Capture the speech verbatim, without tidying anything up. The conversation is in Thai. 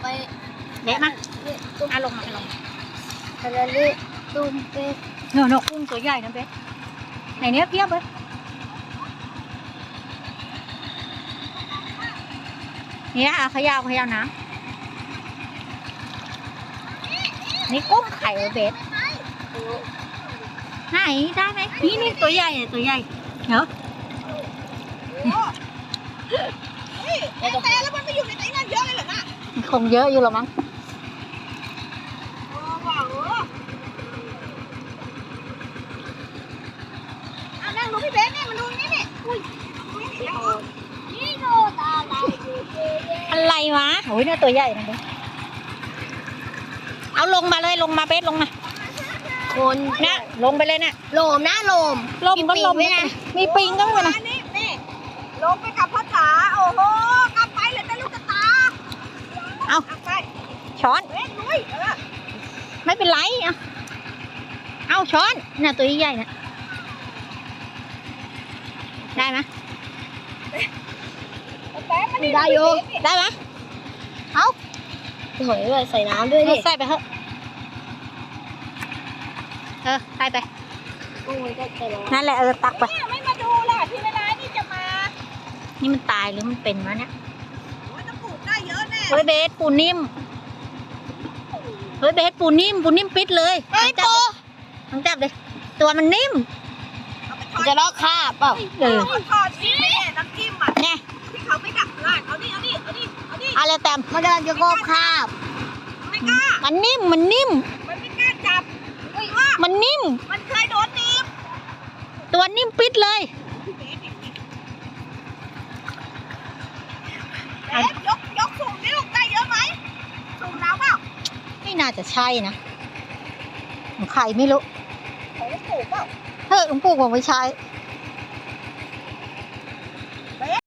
เละมาเอาลงมาเอาลงทะเลตุ้มเป็ดเนอะเนอะกุ้งตัวใหญ่นะเบสไหนเนี้ยเพียบเลยเนี่ยเอาขยาวขยาวน้ำนี่กุ้งไข่เหรอเบสไหนได้ไหมนี่นี่ตัวใหญ่เนี่ยตัวใหญ่เนาะแต่แล้วมันไปอยู่ในไหนนั่นเยอะเลยเหรอน่ะคงเยอะอยู่หรอมั้งโอ้ว้าวเอานั่งดูพี่เบสนี่มันดูนี่นี่อุ้ยนี่โนตาลายอะไรวะโอ้ยเนี่ยตัวใหญ่นะเบสเอาลงมาเลยลงมาเบสลงมาคนเนี่ยลงไปเลยเนี่ยโลมนะโลมลมก็ลมมีปิงด้วยนะมีปิงก็ไปนะนี่นี่ลงไปกับพ่อจ๋าโอ้โหกลับไปเลยแต่ลูกตาเอาเอาไปช้อนเว้ยลุยเออไม่เป็นไรเอาเอาช้อนน่ะตัวใหญ่ๆน่ะได้ไหมแป๊บมันได้อยู่ได้ไหมเอาหอยเลยใส่น้ำด้วยดิใส่ไปเถอะเออใส่ไปโอ้ยก็ใส่แล้วนั่นแหละเออตักไปเนี่ยไม่มาดูล่ะที่เวลานี่จะมานี่มันตายหรือมันเป็นวะเนี่ยโอ้ยจะปลูกได้เยอะแน่เฮ้ยเบสปูนิ่มเฮ้ยเบสปูนิ่มปูนิ่มปิดเลยเฮ้ยจับโปเลยต้องจับเลยตัวมันนิ่มจะลอกคาบเปล่าเออทอดนี่น้ำจิ้มอ่ะเนี่ยที่เขาไม่ดักร้านเอาดิเอาดิเอาดิเอาดิเอาเลยแต้มมันกำลังจะกบคาบไม่กล้ามันนิ่มมันนิ่มมันไม่กล้าจับอุ้ยว่ามันนิ่มมันเคยโดนหนีบตัวนิ่มปิดเลยเอ๊ะยกยกสูงนี่ลูกได้เยอะไหมสูงน้ำเปล่าไม่น่าจะใช่นะของใครไม่รู้ของปลูกเปล่าเฮ้ยหลวงปู่ผมไม่ใช้เ